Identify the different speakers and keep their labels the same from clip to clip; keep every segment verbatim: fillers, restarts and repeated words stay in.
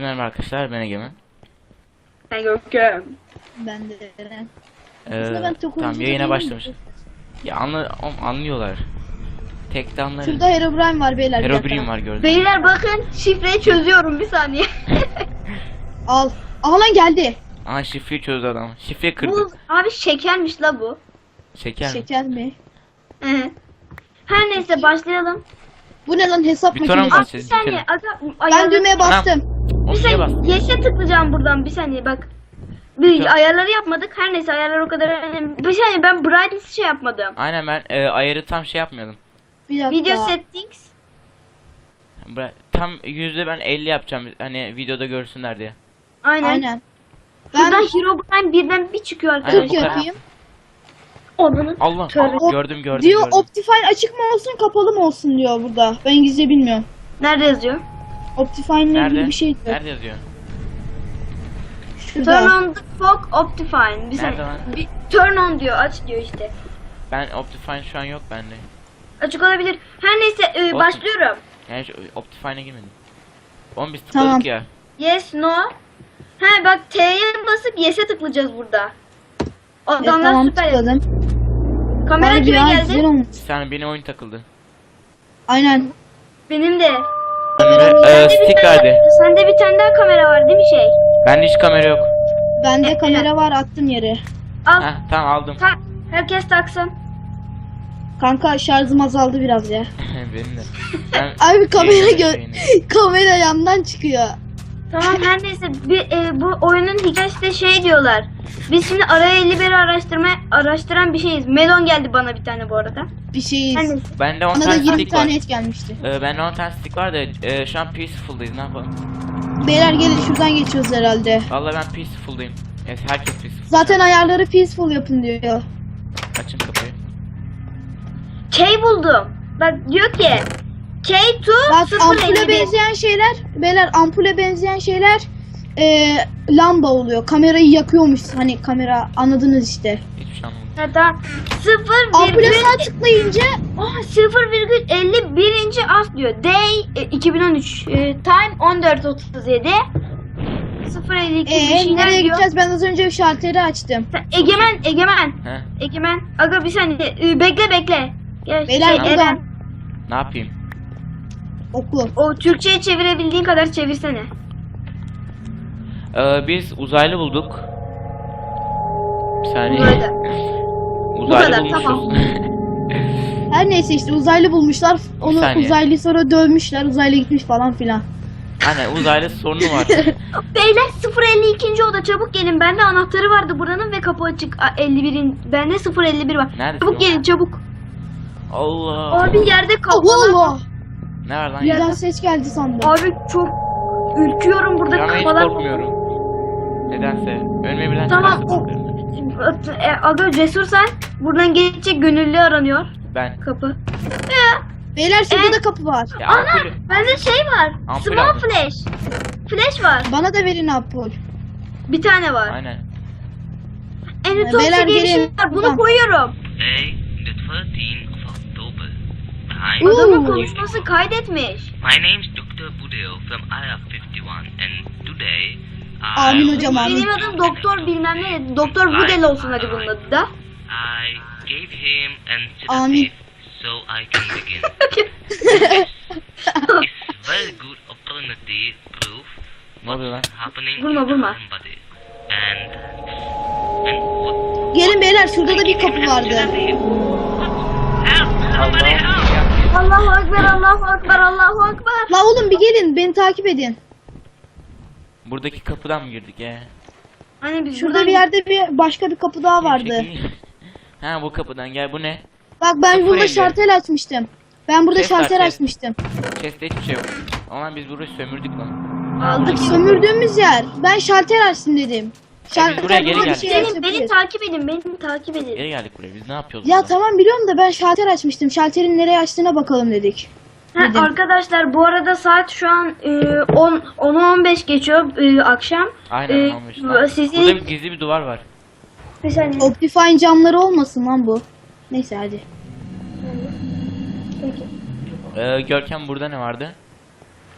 Speaker 1: merhaba arkadaşlar, ben Egemen.
Speaker 2: Ben Görkem.
Speaker 3: Ben de Eren.
Speaker 1: Ee,
Speaker 3: ben çok
Speaker 1: tamam,
Speaker 3: oyuncu
Speaker 1: yayına
Speaker 3: değilim.
Speaker 1: başlamış. Ya anla, anlıyorlar. Tek de anlarız.
Speaker 3: Şurada Herobrine var beyler. bir dakika.
Speaker 1: Herobrine var, gördüm.
Speaker 2: Beyler bakın, şifreyi çözüyorum, bir saniye.
Speaker 3: Al. Aha lan geldi.
Speaker 1: Aha, şifreyi çözdü adam. Şifreyi kırdı.
Speaker 2: Bu abi şekermiş la bu.
Speaker 1: Şeker mi?
Speaker 3: Şeker mi?
Speaker 2: Hı. Her neyse başlayalım.
Speaker 3: Bu ne lan, hesap
Speaker 1: Bir tane
Speaker 3: makinesi?
Speaker 2: Abi bir
Speaker 1: Siz
Speaker 2: saniye
Speaker 1: bitirin.
Speaker 2: aga,
Speaker 3: Ben
Speaker 2: ayarları-
Speaker 3: düğmeye bastım.
Speaker 1: O
Speaker 2: Bir
Speaker 1: niye bas?
Speaker 2: saniye yeşe tıklayacağım buradan, bir saniye bak. Bir ayarları yapmadık, her neyse ayarlar o kadar önemli. Bir saniye, ben brightness şey yapmadım.
Speaker 1: Aynen, ben e, ayarı tam şey yapmıyordum.
Speaker 3: Bir dakika.
Speaker 2: Video settings.
Speaker 1: Bra- Tam yüzde ben elli yapacağım, hani videoda görsünler diye.
Speaker 2: Aynen.
Speaker 3: Aynen.
Speaker 2: Buradan
Speaker 3: Ben
Speaker 2: Herobrine birden bir çıkıyor
Speaker 1: Aynen,
Speaker 2: arkadaşlar.
Speaker 1: bu kadar.
Speaker 3: yapayım.
Speaker 2: Onun.
Speaker 1: Allah,
Speaker 2: Tövbe.
Speaker 1: gördüm gördüm
Speaker 3: Diyor
Speaker 1: gördüm.
Speaker 3: Optifine açık mı olsun kapalı mı olsun diyor burada. Ben İngilizce bilmiyorum.
Speaker 2: Nerede yazıyor?
Speaker 3: Optifine ile
Speaker 1: Nerede?
Speaker 3: ilgili bir şey diyor.
Speaker 1: Nerede yazıyor?
Speaker 2: Turn
Speaker 3: Şurada.
Speaker 2: on the fog Optifine. Bir
Speaker 1: Nerede
Speaker 2: saniye.
Speaker 1: lan?
Speaker 2: Bir turn on diyor, aç diyor işte.
Speaker 1: Ben Optifine şu an yok bende.
Speaker 2: Açık olabilir. Her neyse e,
Speaker 1: Olsun.
Speaker 2: başlıyorum.
Speaker 1: Yani şu Optifine'e girmedim. Oğlum biz tıkladık
Speaker 3: Tamam.
Speaker 1: ya.
Speaker 2: Yes, no. He bak, T'ye basıp yes'e tıklayacağız burada.
Speaker 3: Evet,
Speaker 2: Adamlar
Speaker 3: tamam
Speaker 2: süper.
Speaker 3: tıkladım.
Speaker 2: Kamera
Speaker 3: Harbi
Speaker 2: kime
Speaker 3: ya,
Speaker 2: geldi?
Speaker 3: güzel olmuş.
Speaker 1: Bir saniye, benim oyun takıldı.
Speaker 3: Aynen.
Speaker 2: Benim de.
Speaker 1: Ee,
Speaker 2: Sende bir
Speaker 1: stick
Speaker 2: tane-
Speaker 1: verdi.
Speaker 2: Sende bir tane daha kamera var değil mi şey?
Speaker 1: Bende hiç kamera yok.
Speaker 3: Bende
Speaker 2: E,
Speaker 3: kamera var, attım yere.
Speaker 2: Al.
Speaker 1: Heh, tamam aldım.
Speaker 2: Tak. Herkes taksın.
Speaker 3: Kanka şarjım azaldı biraz ya.
Speaker 1: Benim de. Ben
Speaker 3: Abi kamera
Speaker 1: yayınladım
Speaker 3: gö
Speaker 1: yayını.
Speaker 3: kamera yandan çıkıyor.
Speaker 2: Tamam, her neyse bir, e, bu oyunun hikayesi de şey diyorlar. Biz şimdi araya elli biri araştırma araştıran bir şeyiz. Melon geldi bana bir tane bu arada.
Speaker 3: Bir şeyiz.
Speaker 2: Her neyse.
Speaker 1: Bende on
Speaker 3: Bana da
Speaker 1: tane
Speaker 3: yirmi
Speaker 1: stick var.
Speaker 3: tane et gelmişti.
Speaker 1: Ee, bende on tane stick var da e, şu an peaceful'dayız, ne yapalım?
Speaker 3: Beyler gelin, şuradan geçiyoruz herhalde.
Speaker 1: Vallahi ben peaceful'dayım. Evet, herkes peaceful.
Speaker 3: Zaten ayarları peaceful yapın diyor.
Speaker 1: Açın kapıyı.
Speaker 2: K buldum. Bak diyor ki K to
Speaker 3: Bak
Speaker 2: sıfır
Speaker 3: ampule
Speaker 2: elli bir.
Speaker 3: benzeyen şeyler, beyler ampule benzeyen şeyler e, lamba oluyor. Kamerayı yakıyormuş, hani kamera, anladınız işte.
Speaker 1: Hiçbir şey anlamadım.
Speaker 2: Ha, tamam. sıfır
Speaker 3: Ampule
Speaker 2: virgül
Speaker 3: sağ tıklayınca
Speaker 2: oh, sıfır virgül elli birinci as diyor. Day e, iki bin on üç. E, time on dört otuz yedi. sıfır elli iki bir
Speaker 3: e,
Speaker 2: şeyler
Speaker 3: nereye
Speaker 2: diyor.
Speaker 3: gideceğiz? Ben az önce şalteri açtım.
Speaker 2: Sen- Egemen, Egemen.
Speaker 1: He?
Speaker 2: Egemen. Aga bir saniye. E, bekle bekle. Gel,
Speaker 3: Beyler
Speaker 2: şey,
Speaker 3: burada.
Speaker 2: Eren.
Speaker 1: Ne yapayım?
Speaker 3: Oku.
Speaker 2: O Türkçe'ye çevirebildiğin kadar çevirsene.
Speaker 1: Ee, biz uzaylı bulduk. Bir saniye.
Speaker 2: Uzaylı.
Speaker 1: Uzaylı
Speaker 2: kadar,
Speaker 1: bulmuşuz.
Speaker 2: tamam.
Speaker 3: Her neyse işte uzaylı bulmuşlar. Onu
Speaker 1: saniye.
Speaker 3: uzaylıyı sonra dövmüşler. Uzaylı gitmiş falan filan.
Speaker 1: Aynen, uzaylı sorunu var.
Speaker 2: Beyler sıfır elli iki. oda, çabuk gelin. Bende anahtarı vardı buranın ve kapı açık. A, elli birin. Bende sıfır elli bir var.
Speaker 1: Nerede?
Speaker 2: Çabuk gelin çabuk.
Speaker 1: Allah.
Speaker 2: Abi yerde
Speaker 3: Allah
Speaker 2: kafalar.
Speaker 3: Allah.
Speaker 1: Ne var lan?
Speaker 3: Birden
Speaker 1: ya?
Speaker 3: ses geldi sandım.
Speaker 2: Abi çok ürküyorum burada,
Speaker 1: Şu an hiç
Speaker 2: kafalar.
Speaker 1: korkmuyorum. Nedense. Önüme birden
Speaker 2: Tamam,
Speaker 1: çıkarsa
Speaker 2: o-
Speaker 1: korkarım.
Speaker 2: E, aga cesur sen. Buradan geçecek gönüllü aranıyor.
Speaker 1: Ben.
Speaker 2: Kapı.
Speaker 3: Beyler şurada
Speaker 2: Evet.
Speaker 3: da kapı var.
Speaker 1: Ya
Speaker 2: Ana
Speaker 1: ampulü.
Speaker 2: bende şey var.
Speaker 1: Ampul
Speaker 2: Small
Speaker 1: aldım.
Speaker 2: flash. Flash var.
Speaker 3: Bana da verin ampul.
Speaker 2: Bir tane var.
Speaker 1: Aynen.
Speaker 2: Enitopsi
Speaker 3: Beyler,
Speaker 2: diye bir şey
Speaker 3: gelin.
Speaker 2: var. Bunu
Speaker 3: Buradan.
Speaker 2: koyuyorum.
Speaker 4: Today, the thirteenth of October. Hi,
Speaker 3: Ooh.
Speaker 2: Adamın konuşması kaydetmiş.
Speaker 4: my name's doctor Budeo from I R fifty-one, and today I
Speaker 3: Amin hocam, amin.
Speaker 2: Benim adım doktor bilmem ne. Doktor Budel olsun hadi bunun adı da.
Speaker 4: I gave him an
Speaker 3: Amin.
Speaker 4: sedative so I can begin. It's very good alternative proof
Speaker 1: Ne oluyor lan?
Speaker 4: happening
Speaker 2: Vurma,
Speaker 4: in the
Speaker 2: vurma.
Speaker 4: human body. And and what?
Speaker 3: Gelin beyler, şurada da bir
Speaker 4: Give him
Speaker 3: kapı
Speaker 4: an
Speaker 3: vardı.
Speaker 4: sedative. Help! Somebody help!
Speaker 2: Allahu Ekber, Allahu Ekber, Allahu Ekber.
Speaker 3: La oğlum bir gelin, beni takip edin.
Speaker 1: Buradaki kapıdan mı girdik ya?
Speaker 2: Hani biz
Speaker 3: Şurada
Speaker 2: buradan-
Speaker 3: bir yerde bir başka bir kapı daha vardı.
Speaker 1: Ha, bu kapıdan gel, bu ne?
Speaker 3: Bak ben
Speaker 1: Sıfır
Speaker 3: burada
Speaker 1: elli.
Speaker 3: şartel açmıştım. Ben burada
Speaker 1: Ses var,
Speaker 3: şartel
Speaker 1: ses.
Speaker 3: açmıştım.
Speaker 1: Chest'te hiçbir şey yok. Ama biz burayı sömürdük lan.
Speaker 2: aldık.
Speaker 3: Sömürdüğümüz yer. Ben şartel açtım dedim.
Speaker 1: Ya biz buraya geri
Speaker 3: burada bir
Speaker 1: geldik.
Speaker 3: şey
Speaker 2: Beni, beni
Speaker 3: açabiliriz.
Speaker 2: takip edin, beni takip edin.
Speaker 1: Geri geldik buraya. Biz ne yapıyoruz
Speaker 3: Ya
Speaker 1: burada?
Speaker 3: tamam biliyorum da ben şalter açmıştım. Şalterin nereye açtığına bakalım dedik.
Speaker 2: Ha,
Speaker 3: Dedim.
Speaker 2: arkadaşlar bu arada saat şu an e, on onu on beş geçiyor e, akşam.
Speaker 1: Aynen,
Speaker 2: E,
Speaker 1: almış lan.
Speaker 2: Sizin
Speaker 1: Burada bir gizli bir duvar var.
Speaker 2: bir saniye.
Speaker 3: Optifine camları olmasın lan bu. Neyse hadi.
Speaker 2: Peki.
Speaker 1: Ee, Görkem, burada ne vardı?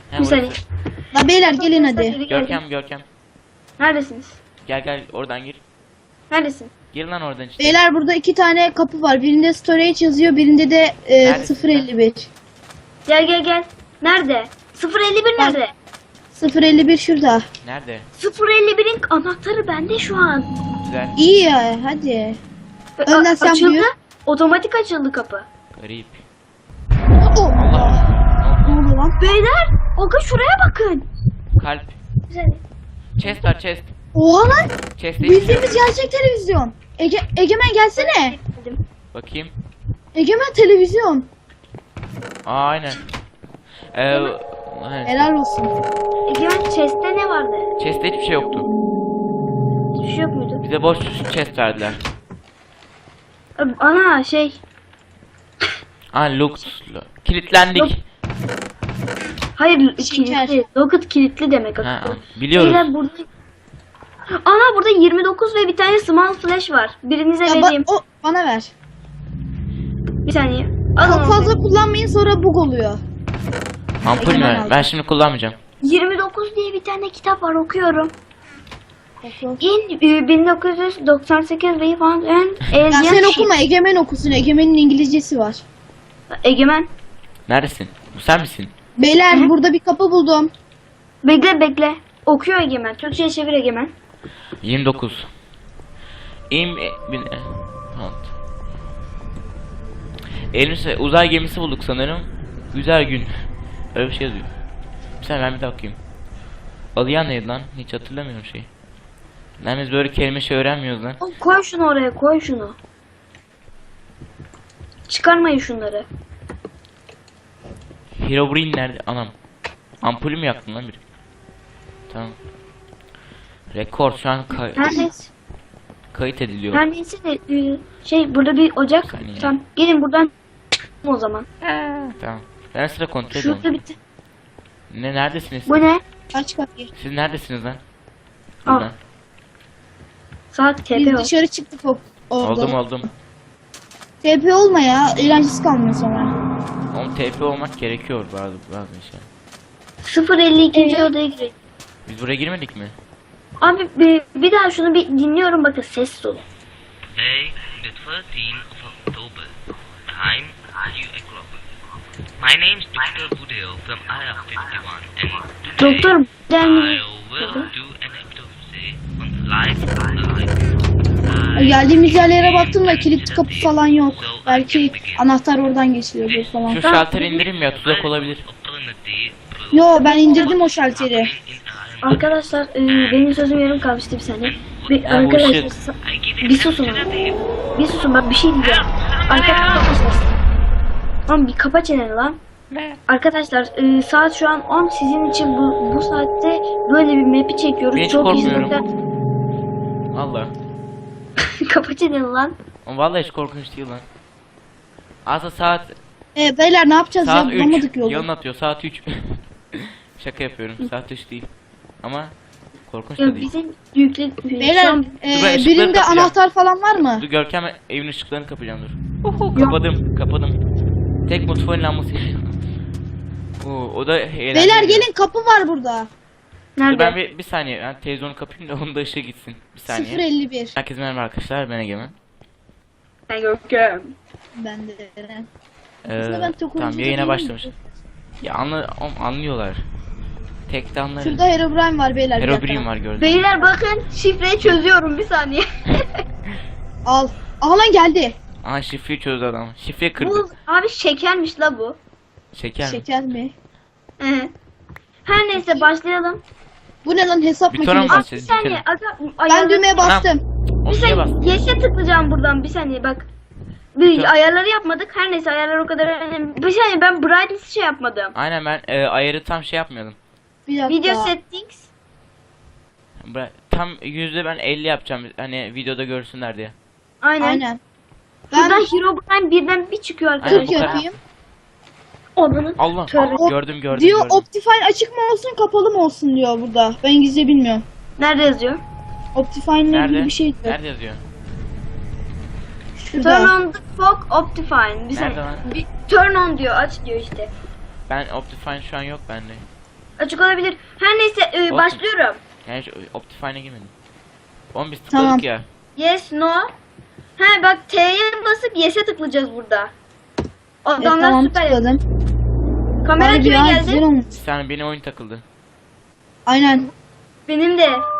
Speaker 1: He,
Speaker 2: Bir saniye.
Speaker 1: burası.
Speaker 3: La beyler gelin hadi.
Speaker 2: Geldim.
Speaker 1: Görkem Görkem.
Speaker 2: Neredesiniz?
Speaker 1: Gel gel oradan gir.
Speaker 2: Neredesin?
Speaker 1: Gir lan oradan işte.
Speaker 3: Beyler burada iki tane kapı var. Birinde storage yazıyor, birinde de e,
Speaker 1: Neredesin
Speaker 3: sıfır elli bir.
Speaker 2: Gel gel gel. Nerede? sıfır elli bir nerede?
Speaker 3: sıfır elli bir şurada.
Speaker 1: Nerede?
Speaker 2: sıfır elli birin anahtarı bende şu an.
Speaker 1: Güzel.
Speaker 3: İyi ya hadi.
Speaker 2: Ve
Speaker 3: Önden
Speaker 2: a-
Speaker 3: sen
Speaker 2: açıldı.
Speaker 3: buyur.
Speaker 2: Otomatik açıldı kapı.
Speaker 1: Garip.
Speaker 3: Oh.
Speaker 1: Allah.
Speaker 3: Ne oldu lan?
Speaker 2: Beyler, Oga şuraya bakın.
Speaker 1: Kalp.
Speaker 2: Güzel.
Speaker 1: Chest var chest.
Speaker 3: Oha lan.
Speaker 1: Chest'te hiçbir şey yok.
Speaker 3: Bildiğimiz gerçek televizyon. Ege, Egemen gelsene.
Speaker 1: Bakayım.
Speaker 3: Egemen televizyon.
Speaker 1: Aa aynen. Ee, aynen.
Speaker 3: Helal olsun.
Speaker 2: Egemen chest'te ne vardı?
Speaker 1: Chest'te hiçbir şey yoktu.
Speaker 2: Hiçbir şey yok muydu?
Speaker 1: Bize boş chest verdiler.
Speaker 2: Abi, Ana şey.
Speaker 1: Aa Lux. Kilitlendik.
Speaker 2: Yok. Hayır
Speaker 3: Şeker.
Speaker 2: kilitli. Locket kilitli demek.
Speaker 1: Ha,
Speaker 2: aslında.
Speaker 1: biliyoruz.
Speaker 2: Beyler burada. Ana burada yirmi dokuz ve bir tane small flash var. Birinize
Speaker 3: Ya ba-
Speaker 2: vereyim.
Speaker 3: o bana ver.
Speaker 2: Bir saniye. Alın
Speaker 3: Çok
Speaker 2: onu.
Speaker 3: fazla kullanmayın sonra bug oluyor.
Speaker 1: Ampul mü?
Speaker 3: Egemen
Speaker 1: ver?
Speaker 3: aldı.
Speaker 1: Ben şimdi kullanmayacağım.
Speaker 2: yirmi dokuz diye bir tane kitap var okuyorum.
Speaker 3: Oku.
Speaker 2: In e, bin dokuz yüz doksan sekiz Rebound and
Speaker 3: Ya
Speaker 2: Alien
Speaker 3: sen
Speaker 2: Ship.
Speaker 3: okuma, Egemen okusun. Egemen'in İngilizcesi var.
Speaker 2: Egemen.
Speaker 1: Neredesin? Bu sen misin?
Speaker 3: Beyler
Speaker 2: Hı?
Speaker 3: burada bir kapı buldum.
Speaker 2: Bekle bekle. Okuyor Egemen. Türkçe'ye çevir Egemen.
Speaker 1: yirmi dokuz. İm e, bin e, halt. Elimizde uzay gemisi bulduk sanırım. Güzel gün. Öyle bir şey yazıyor. Bir saniye ben bir daha okuyayım. Aliyan neydi lan? Hiç hatırlamıyorum şeyi. Lan biz böyle kelime şey öğrenmiyoruz lan.
Speaker 2: Oğlum, koy şunu oraya koy şunu. Çıkarmayın şunları.
Speaker 1: Herobrine nerede? Anam. Ampulü mü yaktın lan biri? Tamam. Rekor şu an kay
Speaker 2: Her neyse.
Speaker 1: kayıt ediliyor.
Speaker 2: Her neyse de e, şey burada bir ocak.
Speaker 1: Saniye.
Speaker 2: Tamam. Gelin buradan o zaman.
Speaker 1: Tamam. Ben sıra kontrol
Speaker 2: Şurada
Speaker 1: ediyorum.
Speaker 2: bitti.
Speaker 1: Ne neredesiniz?
Speaker 2: Bu ne?
Speaker 3: Aç kapıyı.
Speaker 1: Siz neredesiniz lan?
Speaker 2: Al.
Speaker 1: Buradan.
Speaker 2: Saat T
Speaker 3: Biz
Speaker 2: P o.
Speaker 3: dışarı çıktık o- orada.
Speaker 1: Oldum oldum.
Speaker 3: T P olma ya. Eğlencesi kalmıyor sonra.
Speaker 1: Oğlum T P olmak gerekiyor bazı bazı şey.
Speaker 2: sıfır elli ikinci
Speaker 3: Evet.
Speaker 2: odaya girelim.
Speaker 1: Biz buraya girmedik mi?
Speaker 2: Abi bir, bir daha şunu bir dinliyorum bakın ses olun.
Speaker 4: Today, the thirteenth of October, time two o'clock. My name's Doctor Budeo from I R fifty-one, and today
Speaker 2: Doktor
Speaker 4: I
Speaker 2: gelmedi.
Speaker 4: will do an autopsy on the life of
Speaker 3: Geldiğimiz yerlere baktım da kilit kapı falan yok. Belki anahtar oradan geçiliyordur falan.
Speaker 1: Şu şalteri indirim ya tuzak olabilir.
Speaker 3: Yo ben indirdim o şalteri.
Speaker 2: Arkadaşlar e, benim sözüm yarım kalmıştı bir saniye. Bir,
Speaker 1: Ya bu
Speaker 2: arkadaşlar
Speaker 1: shit.
Speaker 2: sa- bir susun abi. Bir susun bak bir şey diyeceğim. Arkadaşlar. Lan bir kapa çeneni lan. Arkadaşlar e, saat şu an on, sizin için bu bu saatte böyle bir map'i çekiyoruz.
Speaker 1: Ben hiç
Speaker 2: Çok
Speaker 1: korkmuyorum.
Speaker 2: izleyiciler.
Speaker 1: Vallahi.
Speaker 2: Kapa çeneni lan.
Speaker 1: Oğlum vallahi hiç korkunç değil lan. Aslında saat
Speaker 3: E, beyler ne yapacağız
Speaker 1: saat
Speaker 3: ya? Bulamadık
Speaker 1: üç.
Speaker 3: yolu.
Speaker 1: Yalın atıyor saat üç. Şaka yapıyorum. Saat üç değil. Ama korkunç da
Speaker 2: Ya
Speaker 1: değil.
Speaker 2: bizim yükle şu
Speaker 3: Beyler
Speaker 2: an
Speaker 3: e,
Speaker 1: Dur, ben ışıkları
Speaker 3: birinde
Speaker 1: kapayacağım.
Speaker 3: anahtar falan var mı?
Speaker 1: Dur Görkem evin ışıklarını kapayacağım dur. Kapadım, kapadım. Tek mutfağın lambası yanıyor. Oo, o da eğlenceli.
Speaker 3: Beyler gelin kapı var burada.
Speaker 1: Dur
Speaker 2: nerede?
Speaker 1: ben bir, bir saniye ben televizyonu kapayım da onun da ışığı gitsin. Bir saniye.
Speaker 3: sıfır elli bir.
Speaker 1: Herkese merhaba arkadaşlar ben Egemen.
Speaker 2: Ben Görkem.
Speaker 3: Ben de.
Speaker 1: Ee,
Speaker 3: Aslında ben çok
Speaker 1: tamam
Speaker 3: oyuncu
Speaker 1: yayına
Speaker 3: değilim.
Speaker 1: başlamış. Ya anla, oğlum, anlıyorlar. Tek de anlarız.
Speaker 3: Şurada Herobrine var beyler. bir dakika.
Speaker 1: Herobrine var gördüm.
Speaker 2: Beyler bakın şifreyi çözüyorum bir saniye.
Speaker 3: Al. Aha lan geldi.
Speaker 1: Aha şifreyi çözdü adam. Şifreyi kırdı.
Speaker 2: Bu abi şekermiş la bu.
Speaker 1: Şeker mi?
Speaker 3: Şeker mi?
Speaker 2: Hı. Her neyse başlayalım.
Speaker 3: Bu ne lan hesap
Speaker 1: Bir tane
Speaker 3: makinesi?
Speaker 1: mi
Speaker 2: Abi bir
Speaker 1: Siz
Speaker 2: saniye
Speaker 1: bitirin.
Speaker 2: aga,
Speaker 3: Ben
Speaker 2: ayarları-
Speaker 3: düğmeye bastım.
Speaker 1: Oğlum
Speaker 2: Bir
Speaker 1: niye
Speaker 2: saniye
Speaker 1: bastın?
Speaker 2: yeşe tıklayacağım buradan bir saniye bak. Bir
Speaker 1: Tamam.
Speaker 2: ayarları yapmadık her neyse ayarlar o kadar önemli. Bir saniye ben brightness şey yapmadım.
Speaker 1: Aynen ben e, ayarı tam şey yapmıyordum.
Speaker 3: Bir dakika.
Speaker 2: Video settings.
Speaker 1: Bra- Tam yüzde ben elli yapacağım hani videoda görsünler diye.
Speaker 2: Aynen.
Speaker 3: Aynen. Ben
Speaker 2: Şuradan Herobrine birden bir çıkıyor
Speaker 1: Aynen,
Speaker 2: arkadaşlar.
Speaker 1: bu kadar.
Speaker 3: yapayım.
Speaker 2: Onun.
Speaker 1: Allah
Speaker 2: Tövbe.
Speaker 1: gördüm gördüm
Speaker 3: Diyor
Speaker 1: gördüm.
Speaker 3: Optifine açık mı olsun kapalı mı olsun diyor burada. Ben İngilizce bilmiyorum.
Speaker 2: Nerede yazıyor?
Speaker 3: Optifine ile
Speaker 1: Nerede?
Speaker 3: ilgili bir şey diyor.
Speaker 1: Nerede yazıyor?
Speaker 2: Turn
Speaker 3: Şurada.
Speaker 2: on the fog Optifine. Bir
Speaker 1: Nerede
Speaker 2: saniye.
Speaker 1: lan?
Speaker 2: Bir turn on diyor aç diyor işte.
Speaker 1: Ben Optifine şu an yok bende.
Speaker 2: Açık olabilir. Her neyse e,
Speaker 1: Olsun.
Speaker 2: başlıyorum.
Speaker 1: Yani şu Optifine'e girmedim. Oğlum biz tıkladık
Speaker 3: Tamam.
Speaker 1: ya.
Speaker 2: Yes, no. He bak T'ye basıp yes'e tıklayacağız burada.
Speaker 3: Evet,
Speaker 2: Adamlar
Speaker 3: tamam
Speaker 2: süper.
Speaker 3: tıkladım.
Speaker 2: Kamera
Speaker 3: Harbi
Speaker 2: kime
Speaker 3: ya,
Speaker 2: geldi?
Speaker 3: güzel olmuş.
Speaker 1: Bir saniye benim oyun takıldı.
Speaker 3: Aynen.
Speaker 2: Benim de.